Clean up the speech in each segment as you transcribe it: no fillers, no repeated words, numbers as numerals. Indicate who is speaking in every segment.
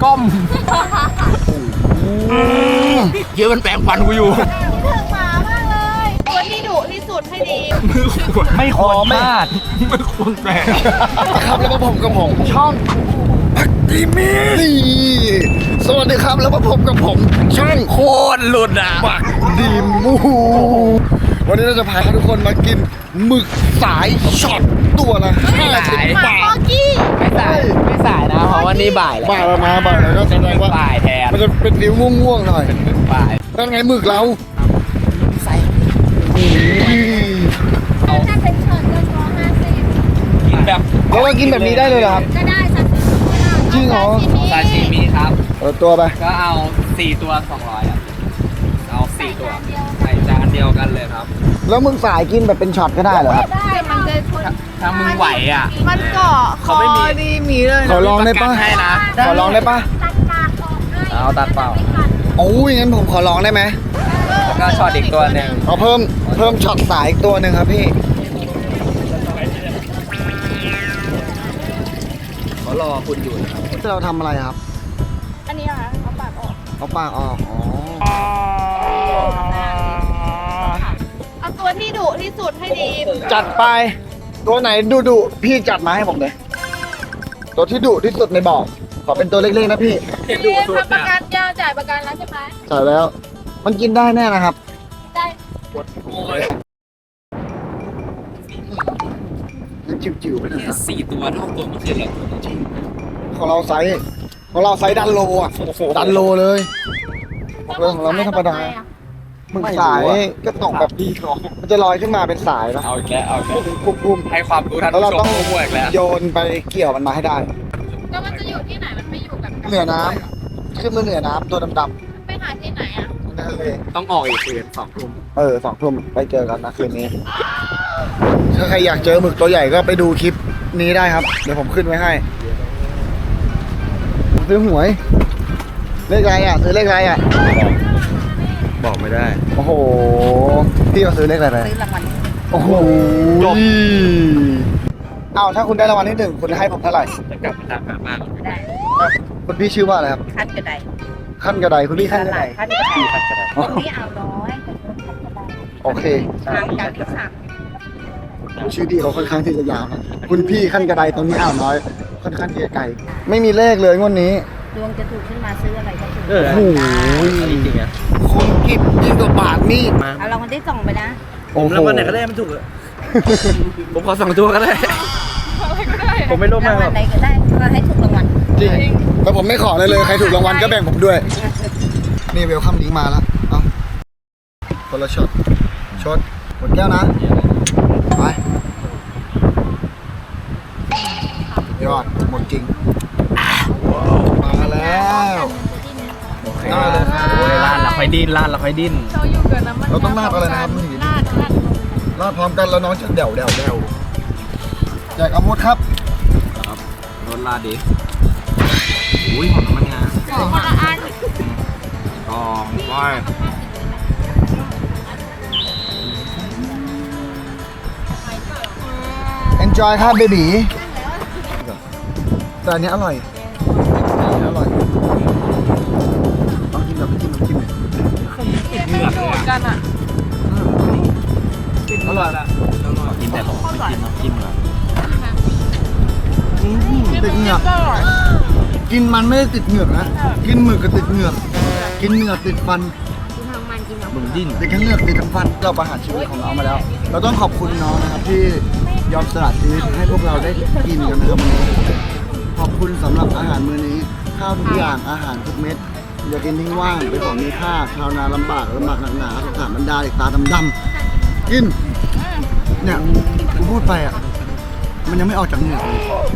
Speaker 1: ก้มเยอะมันแปลงฟันกูอยู่
Speaker 2: ถึงหมามากเลยตัวที่ดุที่สุดให้ดี
Speaker 1: ไม่ควรพลาดไม่ควรแปลง
Speaker 3: ครับแล้วมาพบกับผมช่องพักดีมีนี่สวัสดีครับแล้วมาพบกับผมช่อง
Speaker 1: โคตรหลุดอ่ะ
Speaker 3: ปักดีมูวันนี้เราจะพาทุกคนมากินหมึกสายช็อตตัวละ50 บาท
Speaker 1: ไม่สายนะเพราะว่านี่บ่ายแล้ว
Speaker 3: บ่ายมาบ่ายแล้วก็แสดงว่า
Speaker 1: บ่ายแทน
Speaker 3: มันจะเป็นฟิวง่วงๆหน่อย
Speaker 1: บ่าย
Speaker 3: นั่นไงหมึกเรา
Speaker 1: ใส่
Speaker 2: ถ้าเป็นช็อตก็ช้อน50
Speaker 1: กินแบบ
Speaker 3: แล้วเรากินแบบนี้ได้เลยเหรอครับ
Speaker 2: ก็ได้ซาซิมิก็ได้
Speaker 3: จริงเหรอ
Speaker 1: ซาชิมิครับ
Speaker 3: ตัวไป
Speaker 1: ก็เอา4ตัว200อ่ะเอา4ตัวใส่จานเดียวกันเลยครับ
Speaker 3: แล้วมึงสายกินแบบเป็นช็อตก็ได้เหรอครับ
Speaker 2: ได้มันจะชน
Speaker 1: ถ้ามึงไหวอ่ะ
Speaker 2: มันเกาะ
Speaker 1: เขาไม่มีเลย
Speaker 3: ขอลองได้ปะ
Speaker 1: ให้นะ
Speaker 3: ขอลองได้ปะ
Speaker 2: ตัดปากออกให้
Speaker 1: เอาตัดเปล่า
Speaker 3: โอ้ยงั้นผมขอลองได้ไหม
Speaker 1: แล้วก็ช็อตอีกตัวหนึ่ง
Speaker 3: เอาเพิ่มช็อตสายอีกตัวหนึ่งครับพี่
Speaker 1: เขารอคุณอยู่นะครับ
Speaker 3: เราทำอะไรครับ
Speaker 2: อันนี้ค่ะเอาปากออก
Speaker 3: เอาปากออกอ๋อ
Speaker 2: เอาตัวที่ดุที่สุดให้ดี
Speaker 3: จัดไปตัวไหนดุพี่จัดมาให้ผมเลยตัวที่ดุที่สุดในบ่อขอเป็นตัวเล็กๆนะพี่
Speaker 2: พี่ทำประกันยาวจ่ายประกันแล้วใช่ไหม
Speaker 3: จ่ายแล้ว มันกินได้แน่นะครับ
Speaker 2: ได้
Speaker 3: จิ๋วๆไปเลยนะ
Speaker 1: 4 ตัวเท่าตัวเมื่อคืนเลย
Speaker 3: ของเราไซส์ดันโลอ่ะดันโลเลยเรื่องของเราไม่ธรรมดามึงสายก็ตกแบบดีของมันจะลอยขึ้นมาเป็นสายนะ
Speaker 1: เอาอีกแล้วเอาอีกแล้ว
Speaker 3: ปุ้ม
Speaker 1: ให้ความรู้ทัน
Speaker 3: แล้วเรา
Speaker 1: ผู้ช
Speaker 3: ต้อ
Speaker 1: ม
Speaker 3: ง
Speaker 1: มั่วอีกแล้ว
Speaker 3: โยนไปเกี่ยวมันมาให้ได้
Speaker 2: แล้วมันจะอยู่ที่ไหนมันไม่อยู่กับ
Speaker 3: เหนือน้ำขึ้นมาเหนือน้ำตัวดำ
Speaker 2: ไปหาที่ไหนอ่ะ
Speaker 3: ๆนั่นเลย
Speaker 1: ต้องออกอีกคืน2 ทุ่ม
Speaker 3: 2 ทุ่มไปเจอกันนะคืนนี้ ถ้าใครอยากเจอหมึกตัวใหญ่ก็ไปดูคลิปนี้ได้ครับ เดี๋ยวผมขึ้นไว้ให้ผมซื้อหวย เลขอะไรอ่ะ ซื้อเลขอะไรอ่ะ
Speaker 1: บอกไม่ได้
Speaker 3: โอ้โห พี่มาซื้อเลขอะไรไป
Speaker 2: ซื้อรางวัล
Speaker 3: โอ้โหเอาถ้าคุณได้รางวัลที่ 1คุณให้ผมเท่าไหร่
Speaker 1: จะกลับมาตามหามาก
Speaker 2: ได้
Speaker 3: คุณพี่ชื่อว่าอะไรครับ
Speaker 2: คัดกระได
Speaker 3: ขั้นกระไดคุณพี่ขั้นกระได
Speaker 2: คัดกระได
Speaker 1: ที่พักกัน
Speaker 2: ตรงนี้เอาร้อยคัดกระได
Speaker 3: โอเค
Speaker 2: ทางจากที่สั่ง
Speaker 3: ชื่อดีเขาค่อนข้างที่จะยาวนะคุณพี่ขั้นกระไดตรงนี้อ่าวน้อย ค่อนข้างที่จะไกล ไม่มีเลขเลยงวดนี้
Speaker 2: ดวงจะถูกขึ้นมาซื้ออะไรก็ถูก
Speaker 1: โอ้โหจริงๆอ่ะ
Speaker 3: คนกิบยิ่งกว่าบาทมีด
Speaker 2: เอารางวัลที่2ไปนะ
Speaker 1: ผมรางวัลไหนก็ได้มันถูกอะผมขอ2 ตัวก็ได้ผมไม่โลภมาก
Speaker 2: ราง
Speaker 1: หร
Speaker 2: วั
Speaker 1: อ
Speaker 2: ล
Speaker 1: ก
Speaker 2: ใดก็ได้ก็ให้ถูกรางวัล
Speaker 3: จริงแล้วผมไม่ขอเลยใครถูกรางวัลก็แบ่งผมด้วย นี่เวลคัมลิงก์มาแล้ว เอาคนละช็อตหมดแก้วนะ ไปยอด หมดจริง มาแล้วได้เลยครับ
Speaker 1: โอ้ยลาดแล้วค่อยดิ้นลาดแล้วค่อยดิ้น
Speaker 3: เราต้องลาดอะไรนะครับนี่ลาดพร้อมกันแล้วน้องจะเดี่ยวแจกอาวุธครับ
Speaker 1: รถลาดดิอุ้ยหอมน้ำมันงา
Speaker 2: ของคนละอัน
Speaker 1: กองก้อย
Speaker 3: enjoy ครับเบบีแต่อันนี้อร่อยต้องกินแบบไม่จิ้มเลย
Speaker 1: เหงื่อเลยกันอ่ะอร่อยละกินแต่ผมไม่กินน้ำจิ้มเลย
Speaker 3: ติดเหงือกกินมันไม่ได้ติดเหงือกนะกินหมึกก็ติดเหงือกกินเหงือกติดฟัน
Speaker 1: มึงดิ้น
Speaker 3: ติดทั้งเหงือกติดทั้งฟันเราประหารชีวิตของน้องมาแล้ว เราต้องขอบคุณน้องนะครับที่ยอมสละชีวิตให้พวกเราได้กินกันนะครับวันนี้ขอบคุณสำหรับอาหารมื้อนี้ข้าวทุกอย่างอาหารทุกเม็ดอย่ากินทิ้งว่างเป็นของมีค่าชาวนาลำบากหนักหนาสงสารบรรดาเด็กตาดำๆกินเนี่ยกูพูดไปอ่ะมันยังไม่ออกจากเหงือกเลย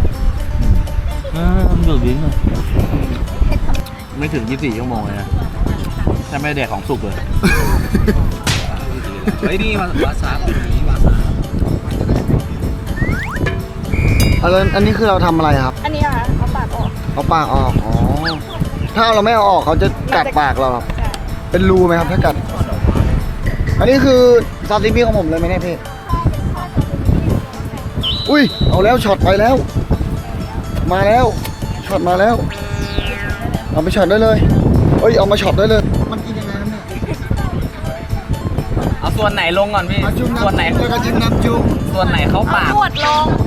Speaker 1: มันดูดดิ้นเลยไม่ถึง24 ชั่วโมงเลยนะถ้าไม่แดกของสุกเลยเฮ้ยนี่วาซาบินี่วาซา
Speaker 3: อันนี้คือเราทำอะไรครับ
Speaker 2: อันนี้ค่ะเอาปากออก
Speaker 3: เอาปากออก อ๋อ ถ้าเราไม่เอาออกเขาจะกัดปากเราครับ เป็นรูไหมครับถ้ากัด อันนี้คือซาซิมิของผมเลยไหมเนี่ยพี่ อุ้ย เอาแล้วช็อตไปแล้ว มาแล้ว ช็อตมาแล้วเอาไปช็อตได้เลยเอ้ยเอามาช็อตได้เลยมันกินยังไงครับเนี่ย
Speaker 1: เอาส่วนไหนลงก่อนพี่
Speaker 3: เอาจุ่ม
Speaker 1: ส่วนไหน
Speaker 3: น้ำแล้วก็จิ้มน้ำจุ่ม
Speaker 1: ส่วนไหนเข้าปาก
Speaker 2: ขวดลง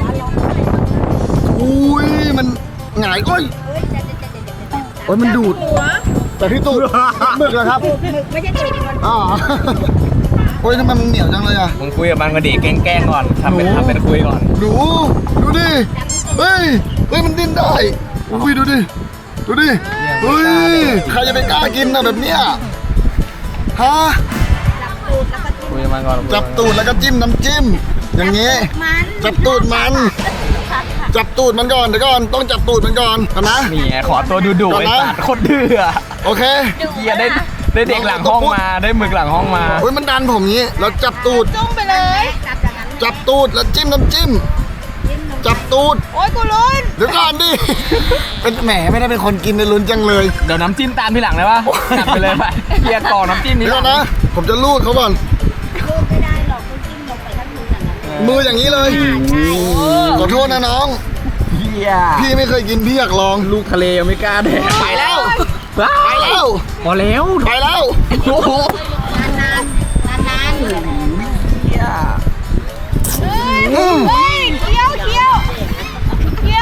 Speaker 3: อุ้ยมันหงายโอ้ยโอ้ยมันดูด
Speaker 2: หัว
Speaker 3: แต่ที่ตูดหมึกเหรอครับ
Speaker 2: ไม่ใช่ตัวมัน
Speaker 3: อ๋อโอ้ยทำไมมันเหนียวจังเลยอ่ะ
Speaker 1: มึงคุยกับมันก็ดีแกล้งๆก่อนทำเป็นคุยก่อน
Speaker 3: ดูดิเฮ้ยมันดิ้นได้อุ้ยดูดิเฮ้ยใครจะไปกล้ากินนะแบบเนี้ยฮะ
Speaker 1: คุยกับมันก่อน
Speaker 3: จับตูดแล้วก็จิ้มน้ำจิ้มอย่างงี้
Speaker 2: มัน
Speaker 3: จับตูดมันก่อนเดี๋ยวก่อนต้องจับตูดมันก่อนนะ
Speaker 1: นี่ไงขอตัวดุๆไอ้สัตว์โคตรดื้ออะ
Speaker 3: โอเค
Speaker 1: เฮียได้เด็กหลังห้องมาได้หมึกหลังห้องมา
Speaker 3: เฮ้ยมันดันผมงี้แล้วจับตูด
Speaker 2: จุ่มไปเลย
Speaker 3: จับตูดแล้วจิ้มน้ำจิ้มจับตูด
Speaker 2: โอ้ยกูลุ้น
Speaker 3: เดี๋ยวก่อนดิเป็นแหมไม่ได้เป็นคนกินในลุ้นจังเลย
Speaker 1: เดี๋ยวน้ำจิ้มตามทีหลังได้ปะจัดไปเลยไปเฮียกรอกน้ำจิ้มนี้
Speaker 3: เดี๋ยวก่อนนะผมจะลูดเขาก่อน
Speaker 2: ลูกไม่ได้หรอกคุณจิ้มลงไปทั้งมืออย่างนั้น
Speaker 3: มืออย่างนี้เลยขอโทษนะน้อง
Speaker 1: เฮีย
Speaker 3: พี่ไม่เคยกินพี่อยากลอง
Speaker 1: ลูกทะเลยังไม่กล้าแดก
Speaker 3: ไปแล้ว
Speaker 1: ไป
Speaker 3: ไปแล้ว
Speaker 1: พอแล้ว
Speaker 3: ไปแล้ว
Speaker 1: โอ้โห
Speaker 2: นาน
Speaker 1: เฮีย
Speaker 2: เฮ้ยเคี้ยวเร็ว
Speaker 1: เฮี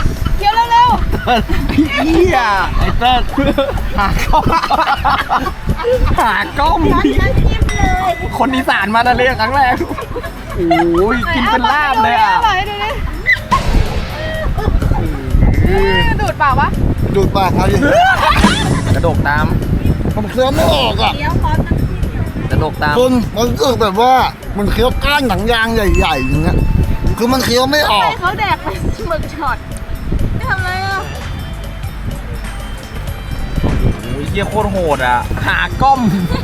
Speaker 1: ยไอ้เติ้ลหากล้องคนอีสานมาทะเลครั้งแรกโอ้ยกินเป็นลาบเลยอ่ะ
Speaker 2: ดูดเปล่าวะ
Speaker 3: ดูดปากเอาดิ
Speaker 1: กระดกตาม
Speaker 3: ผมเคี้ยวไม่ออกอ่ะ
Speaker 2: เคี้ยวพร้อมน้ำจิ้ม
Speaker 1: กระดกตาม
Speaker 3: คุณมันรู้สึกแบบว่ามันเคี้ยวก้านหนังยางใหญ่ๆอย่างเงี้ยคือมันเคี้ยวไม่ออก
Speaker 2: ให้เขาแดกเป็นหมึกช็อตไม่ทำอะไรอ่ะ
Speaker 1: โอ้ยเฮียโคตรโหดอ่ะหากล้อง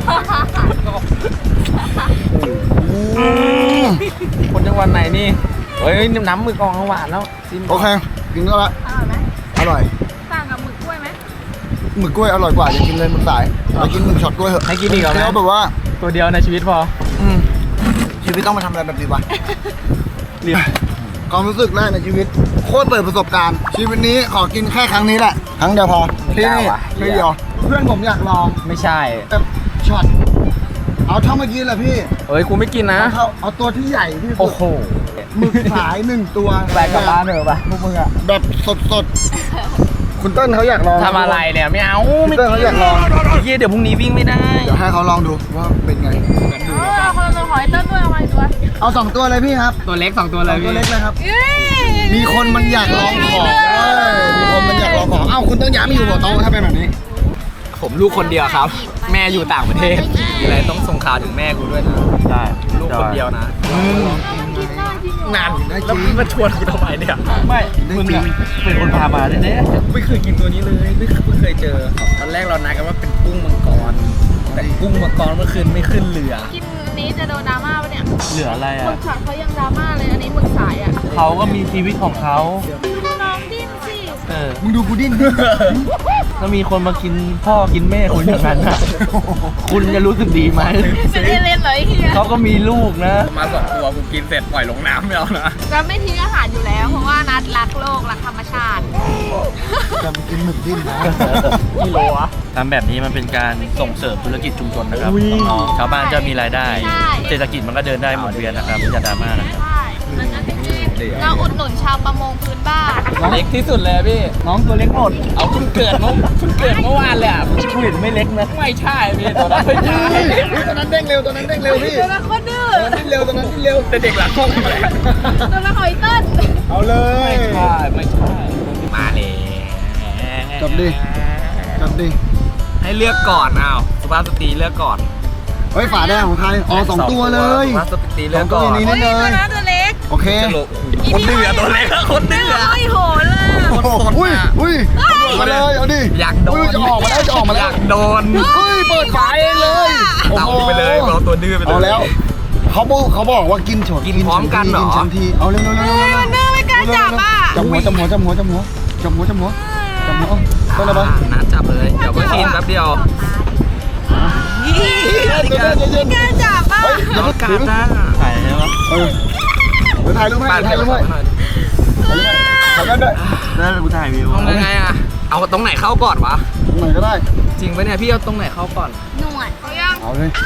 Speaker 1: คนจังหวัดไหนนี่เฮ้ยน้ำมือกองหวานแล้วจิ้ม
Speaker 3: โอเคกินก็ละ
Speaker 2: อร่อยไหม
Speaker 3: อร่อย
Speaker 2: ต่างกับหมึกกล้วยไหม
Speaker 3: หมึกกล้วยอร่อยกว่าอย่ากินเลยหมึกสายไปกินหมึกช็อตกล้วยเถอะ
Speaker 1: ให้กินอีกเหรอ
Speaker 3: เคี้ยว
Speaker 1: แม่
Speaker 3: แบบว่า
Speaker 1: ตัวเดียวในชีวิตพอ
Speaker 3: ชีวิตต้องมาทำอะไรแบบนี้วะ
Speaker 1: เรียบ
Speaker 3: ความรู้สึกแรกในชีวิตโคตรเปิดประสบการณ์ ชีวิตนี้ขอกินแค่ครั้งนี้แหละครั้งเดียวพอที่นี่ที่เดียวเพื่อนผมอยากลอง
Speaker 1: ไม่ใช่
Speaker 3: แบบช็อตเอาเท่าเมื่อกี้แหละพี่
Speaker 1: เอ้ยกูไม่กินนะ
Speaker 3: เอาตัวที่ใหญ่ที่สุ
Speaker 1: โอ้
Speaker 3: ด
Speaker 1: โห
Speaker 3: หมึกสาย1 ตัว
Speaker 1: ไปกลับบ้านเถอะปะพวกมึงอะ
Speaker 3: แบบสดๆคุณเต้นเขาอยากลอง
Speaker 1: ทำอะไรเนี่ยไม่เอาไม่
Speaker 3: พี่เติ้ลเขาอยากลอง
Speaker 1: เฮียเดี๋ยวพรุ่งนี้วิ่งไม่ได้
Speaker 3: เดี๋ยวให้เขาลองดูว่าเป็นไง
Speaker 2: คนละตัวหอยเต้นด้วยเอามาอีกตัว
Speaker 3: เอา2 ตัวเลยพี่ครับ
Speaker 1: ตัวเล็ก2ตัวเลย
Speaker 3: ตัว
Speaker 1: พี่
Speaker 3: เล็กเลยครับ มีคนมันอยากลองของมีคนมันอยากลองของเอ้าคุณต้องย้ายมาอยู่หัวโต๊ะถ้าเป็นแบบนี้
Speaker 1: ผมลูกคนเดียวครับ แม่อยู่ต่างประเทศมีอะไรต้องส่งข่าวถึงแม่กูด้วยนะได้ลูกคนเดียวนะ
Speaker 3: นานได้จ
Speaker 1: แล้ว
Speaker 3: ริ
Speaker 1: มึ
Speaker 3: ง
Speaker 1: งมาชวนกูทำไมเนี่ยไม่
Speaker 3: ได้
Speaker 1: มึง
Speaker 3: จริง
Speaker 1: อะเป็นคนพามาแน่ๆไม่เคยกินตัวนี้เลยไม่เคยเจอตอนแรกเรานัดกันว่าเป็นกุ้งมังกรแต่กุ้งมังกรเมื่อคืนไม่ขึ้นเรือ
Speaker 2: กินนี้จะโดนดราม่าปะเนี่ย
Speaker 4: เหลืออะไร
Speaker 2: หมึ
Speaker 4: อ่ะ
Speaker 2: กช็อตเขายังดราม่าเลยอันนี้หมึกสายอ่ะ
Speaker 4: เขาก็มีชีวิตของเขา
Speaker 2: น้องดิ้นสิ
Speaker 4: เออ
Speaker 3: มึงดูกูดิ้น
Speaker 4: แล้วมีคนมากินพ่อกินแม่คุณอย่างนั้นอ่ะ คุณจะรู้สึกดีไหม
Speaker 2: เป็นเอเลนเหรอไอ้เหี้ย
Speaker 4: เขาก็มีลูกนะ
Speaker 1: มา2 ตัวกูกินเสร็จปล่อยลงน้ำไม่เอานะ
Speaker 2: จะไม่ทิ้งอาหารอยู่แล้ว เพราะว่านัดรักโลกรักธรรมชาติ
Speaker 3: จะมากินหมึกดิ้นนะ
Speaker 1: กิโลอะ
Speaker 4: ทำแบบนี้มันเป็นการส่งเสริมธุรกิจชุมชนนะครับน้องๆชาวบ้านจะมีรายได้
Speaker 2: ใช่
Speaker 4: เศรษฐกิจมันก็เดินได้หมุนเวียนนะครับอย่าดราม่านะครับ
Speaker 2: ใช่เราอุดหนุนชาวประมงพื้นบ้าน
Speaker 1: เล็กที่สุดเลยพี่
Speaker 4: น้องตัวเล็กหมด
Speaker 1: เอาเพิ่งเกิดเมื่อวานเลยอ่ะ
Speaker 4: ผู้เห็นไม่เล็กนะ
Speaker 1: ไม่ใช่พี่ตัวนั้นไม่ใช่
Speaker 3: ตอนนั้นเด้งเร็วพี่
Speaker 2: ตัวละคนดื้อ
Speaker 3: ตอนนั้นดิ้นเร็วตอนนั้นดิ้นเร็ว
Speaker 1: แต่เด็กหลังห้องเลย
Speaker 2: ตัวละหอยเต้น
Speaker 3: เอาเลย
Speaker 1: ไม่ใช่มาเลย
Speaker 3: จับดิ
Speaker 1: ให้เลือกก่อนอ้าวสุภาพสตรีเลือกก่อน
Speaker 3: เฮ้ยฝาแดงของใครอ๋อ2 ตัวเลย
Speaker 1: สุภาพสตรีเลือกก่อน
Speaker 3: สองตัวนี้
Speaker 2: โอ้ยตัวนั้นตัวเล็ก
Speaker 3: โอเค
Speaker 1: คนดื้อตัวเล็กคนดื้อ
Speaker 2: โอ้ยโหดเลย
Speaker 3: อุ้ยมาเลยเอาดิ
Speaker 1: อยากโดน
Speaker 3: จะออกมาแล้ว
Speaker 1: อยากโดน
Speaker 3: เฮ้ยเปิดฝาเองเลย
Speaker 1: เอาไปเลยเราตัวดื้อไปเลย
Speaker 3: เอาแล้วเขาบอกว่ากินฉด
Speaker 1: กินพร้อมกันเหรอ
Speaker 3: กินทันทีเอาเร็ว
Speaker 2: มันดื้อไม่กล้าจับอ่ะ
Speaker 3: จับหัวต้นอะไรปะ
Speaker 1: นัดจับเลยเดี๋ยวก็ชินแป๊บเดียว
Speaker 3: เย็น
Speaker 2: ไม่กล้าจับอ่ะ
Speaker 3: อย่าเพิ่ง
Speaker 1: การนะ
Speaker 4: ถ่ายใช่ไหม
Speaker 3: เดี๋ยวถ่ายรูปให้
Speaker 1: ถ่ายรูปให้
Speaker 3: ถ่ายรูปด้วย
Speaker 4: แล้วกูถ่ายวิว
Speaker 1: ต้องยังไงอ่ะเอาตรงไหนเข้าก่อนวะ
Speaker 3: ตรงไหนก็ได้
Speaker 1: จริงปะเนี่ยพี่เอาตรงไหนเข้าก่อน
Speaker 2: หนวดเขายัง
Speaker 3: เอาเลย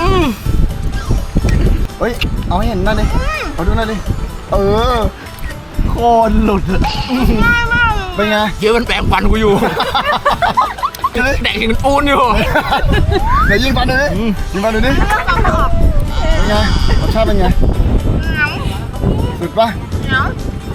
Speaker 3: เฮ้ยเอาให้เห็นหน่อยดิเอาดูหน่อยดิเออ
Speaker 4: โคตรหลุด
Speaker 2: ง่ายมากเลย
Speaker 3: เป็นไง
Speaker 1: เยอะมันแปลงฟันกูอยู่ แดกกินปูนอยู่
Speaker 3: เดี๋ยวยิงฟันดูดิยิงฟันดูดิ
Speaker 2: เลือกฟังออก
Speaker 3: เป็นไงรสชาติเป็นไง
Speaker 2: เหนียว
Speaker 3: สุดปะ
Speaker 2: เหนียว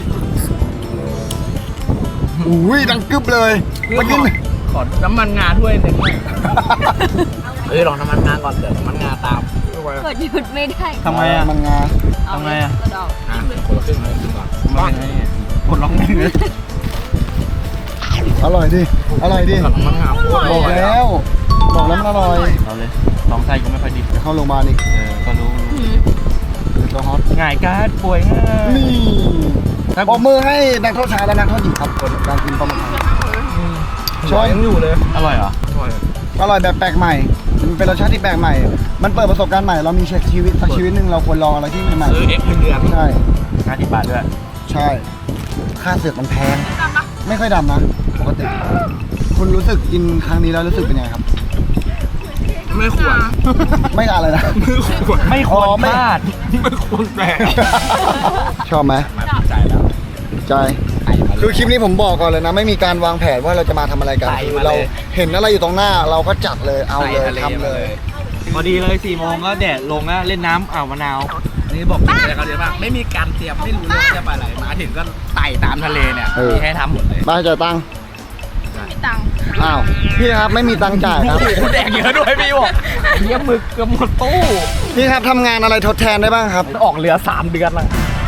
Speaker 3: อุ้ยดังกึบเลยมากิน
Speaker 1: ขอน้ำมันงาด้วยหนึ่งลองน้ำมันงาก่อนเดี๋ยวน้ำมันงาตาม
Speaker 2: เกิดหยุดไม่ได้
Speaker 4: ทำไมอ่ะ
Speaker 3: มันงา
Speaker 4: ทำไงอะ
Speaker 2: กระดอก
Speaker 1: คนละครึ่งเลยดีกว่า
Speaker 4: มันเป็นไงเนี่ยกดล็อกหนึ่งเลย
Speaker 3: อร่อยดิอร่อยดิ
Speaker 1: น้ำมันงาโคตร
Speaker 3: บอกแล้วบอกแล้วมันอร่อย
Speaker 4: เอาเลยสองไส้ก็ไม่ค่อยดี
Speaker 3: เดี๋ยวเข้าโรงพยาบาลอีก
Speaker 4: ก็รู้
Speaker 3: เดี๋ยวตัวฮอต
Speaker 4: ง่ายการ์ดป่วยง่าย
Speaker 3: นี่ปรบมือให้นักโทษชายและนักโทษหญิงครับผลการกินปลาหมึกชอบ
Speaker 1: ยังอยู่เลย
Speaker 4: อร่อยเหรอ
Speaker 3: อร่อยแบบแปลกใหม่ มันเป็นรสชาติที่แปลกใหม่ มันเปิดประสบการณ์ใหม่ เรามีชีวิตสักชีวิตหนึ่งเราควรลองอะไรที่ใหม่
Speaker 1: ซื้อเอ็กซ์เดือน
Speaker 3: ๆใช่
Speaker 4: 50 บาทด้วย
Speaker 3: ใช่ ค่าเสือกมันแพง ไม่ค่อยดำนะ ปกติ คุณรู้สึกกินครั้งนี้แล้วรู้สึกเป็นไงครับ
Speaker 1: ไม่ควร
Speaker 3: ไม่อะไรนะ
Speaker 4: ไม่ควร
Speaker 3: อ๋อไม่
Speaker 4: พลาด
Speaker 1: ไม่ควรแปลก
Speaker 3: ชอบไหม
Speaker 1: มาใจแล้ว
Speaker 3: ใจ คือคลิปนี้ผมบอกก่อนเลยนะ ไม่มีการวางแผนว่าเราจะมาทำอะไรกัน
Speaker 1: ใส่
Speaker 3: คือ
Speaker 1: มาเลย
Speaker 3: เราเห็นอะไรอยู่ตรงหน้า เราก็จัดเลย เอาเลยทำเลย
Speaker 4: พอดีเลย4 โมงก็แดดลงแล้วเล่นน้ำอ่าวมะนาว
Speaker 1: นี่บอกอะไรเขาเดี๋ยวป่ะไม่มีการเตรียมไม่รู้เรื่องจะไปอะไรมาถึงก็ไต่ตามทะเลเนี่ย
Speaker 3: เออ
Speaker 1: มีให้ทำหมดเลย
Speaker 3: ได้จ่ายตังค์
Speaker 2: มีตังค์
Speaker 3: อ้าว พี่ครับไม่มีตังค์จ่ายครับ
Speaker 1: แดกเยอะด้วยพี่บอกเยี่ยหมึกเกับหมดตู้
Speaker 3: พี่ครับทำงานอะไรทดแทนได้บ้างครับ
Speaker 1: ออกเรือ3 เดือนละ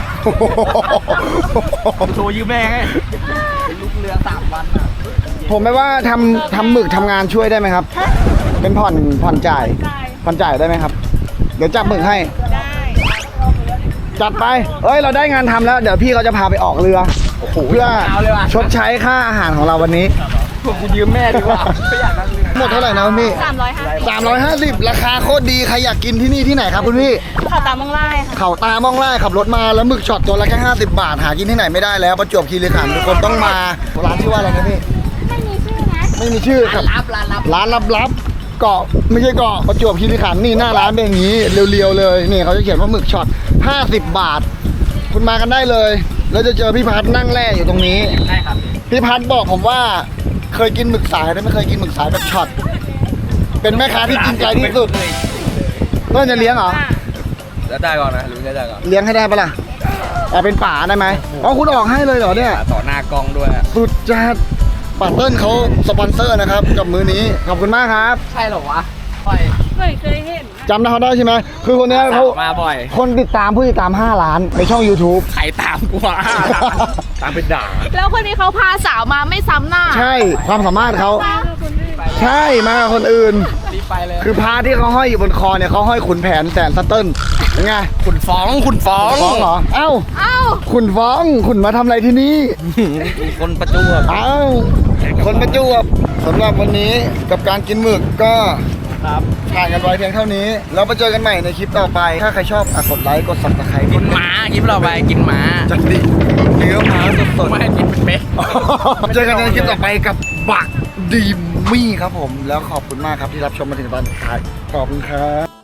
Speaker 1: โทรยืมแม่ไงลุกเรือ3 วันอ่ะ
Speaker 3: ผมไม่ว่าทำหมึกทำงานช่วยได้ไหมครับ เป็นผ่อนจ่ายได้ไหมครับ เดี๋ยวจับหมึกให้
Speaker 2: ได้
Speaker 3: จัดไป เอ้ยเราได้งานทำแล้ว เดี๋ยวพี่เขาจะพาไปออกเรือเพื่อชดใช้ค่าอาหารของเราวันนี้
Speaker 1: พวกกูยืมแม่ดีกว่าไม่อยากนั่งเรือ
Speaker 3: หมดเท่าไหร่นะคุณพี่ 350 ราคาโคตรดีใครอยากกินที่นี่ที่ไหนครับคุณพี่
Speaker 2: ข่าวตามมังไล่ค่ะ
Speaker 3: เขาตามองไล่ขับรถมาแล้วหมึกช็อตตัวละแค่50 บาท หากินที่ไหนไม่ได้แล้วประจวบคีรีขันธ์ทุกคนต้องมาร้านชื่อว่าอะไรนะพี่
Speaker 2: ไม่มีชื่อนะ
Speaker 3: ไม่มีชื่อครับ ร้านลับๆเกาะไม่ใช่เกาะประจวบคีรีขันธ์นี่หน้าร้านเป็นอย่างนี้เรียวๆเลยนี่เขาจะเขียนว่าหมึกช็อต50 บาท คุณมากันได้เลย แล้วจะเจอพี่พัดนั่งแร่อยู่ตรงนี้
Speaker 1: ใช่ครับ
Speaker 3: พี่พัดบอกผมว่าเคยกินหมึกสายแต่ไม่เคยกินหมึกสายแบบช็อตเป็นแม่ค้าที่จริงใจที่สุดเพื่อนจะเลี้ยงเหรอ
Speaker 1: แล้วได้ก่อนนะรู้ได้ก่อน
Speaker 3: เลี้ยงให้ได้ปะล่ะแต่เป็นป่าได้ไหมอ๋อคุณออกให้เลยเหรอเนี่ย
Speaker 1: ต่อหน้ากล้องด้วย
Speaker 3: สุดจัดป่าเติ้ลเขาสปอนเซอร์นะครับกับมือนี้ขอบคุณมากครับ
Speaker 1: ใช่เหรอวะปล่อย
Speaker 2: ไม่เคยเห็น
Speaker 3: จำได้เขาได้ใช่ไหมคือคนเนี้ยเขา
Speaker 1: มาบ่อย
Speaker 3: คนติดตามผู้ติดตาม5 ล้านในช่อง YouTube
Speaker 1: ใครตามกูมาตามเป็นด่า
Speaker 2: แล้วคนนี้เขาพาสาวมาไม่ซ้ำหน้า
Speaker 3: ใช่ความสามารถเขาใช่มากับคนอื่น
Speaker 1: รีบไปเลย
Speaker 3: คือพาที่เขาห้อยอยู่บนคอเนี่ยเขาห้อยขุนแผนแสนสเติ้ลเป็นไง
Speaker 1: ขุนฟ้อง
Speaker 3: ฟ้องเหรอเอ้า
Speaker 2: เอ้า
Speaker 3: ขุนฟ้องขุนมาทำอะไรที่นี่
Speaker 1: คนประจวบ
Speaker 3: เอ้าคนประจวบสำหรับวันนี้กับการกินหมึกก็
Speaker 1: ครับ
Speaker 3: ถ่ายกันไว้เพียงเท่านี้แล้วมาเจอกันใหม่ในคลิปต่อไป ถ้าใครชอบกดไลค์กด subscribe
Speaker 1: กินหมาคลิปเราไปกินหมา
Speaker 3: จัดดิเนื้อหมาสด
Speaker 1: ไม่ให้กินเป็นเป๊ะ
Speaker 3: ๆเจอกันในคลิปต่อไปกับบักดีมี่ครับผม แล้วขอบคุณมากครับที่รับชมมาถึงตอนท้ายขอบคุณครับ